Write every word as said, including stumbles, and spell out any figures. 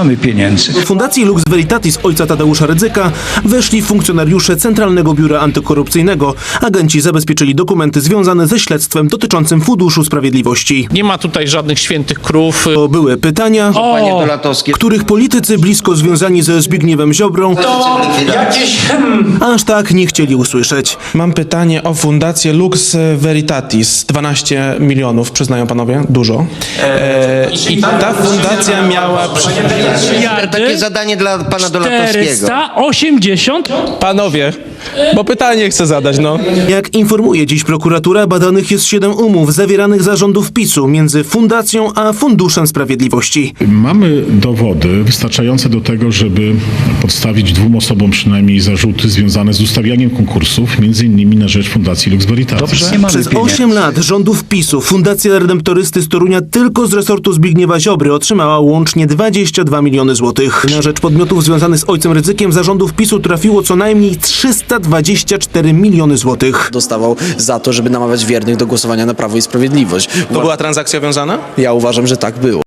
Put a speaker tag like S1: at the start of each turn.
S1: mamy pieniędzy.
S2: Do Fundacji Lux Veritatis ojca Tadeusza Rydzyka weszli funkcjonariusze Centralnego Biura Antykorupcyjnego. Agenci zabezpieczyli dokumenty związane ze śledztwem dotyczącym Funduszu Sprawiedliwości.
S3: Nie ma tutaj żadnych świętych krów.
S2: To były pytania,
S4: Panie Dolatowski,
S2: których politycy blisko związani ze Zbigniewem Ziobrą
S1: To jakieś... Hmm.
S2: aż tak nie chcieli usłyszeć.
S5: Mam pytanie o fundację Lux Veritatis. dwanaście milionów, przyznają panowie? Dużo. E, I ta fundacja miała...
S4: takie zadanie dla pana Dolatowskiego.
S6: czterysta osiemdziesiąt?
S5: Panowie, bo pytanie chcę zadać, no.
S2: Jak informuje dziś prokuratura, badanych jest siedem umów zawieranych za rządów PiSu między Fundacją a Funduszem Sprawiedliwości.
S7: Mamy dowody wystarczające do tego, żeby podstawić dwóm osobom przynajmniej zarzuty związane z ustawianiem konkursów, między innymi na rzecz Fundacji Lux Veritatis.
S1: Dobrze, nie mamy
S2: Przez
S1: pieniędzy.
S2: osiem lat rządów PiSu Fundacja Redemptorysty z Torunia tylko z resortu Zbigniewa Ziobry otrzymała łącznie dwadzieścia dwa miliony złotych. Na rzecz podmiotów związanych z ojcem Rydzykiem za rządów PiSu trafiło co najmniej trzysta dwadzieścia cztery miliony złotych.
S8: Dostawał za to, żeby namawiać wiernych do głosowania na Prawo i Sprawiedliwość.
S5: To była transakcja wiązana?
S8: Ja uważam, że tak było.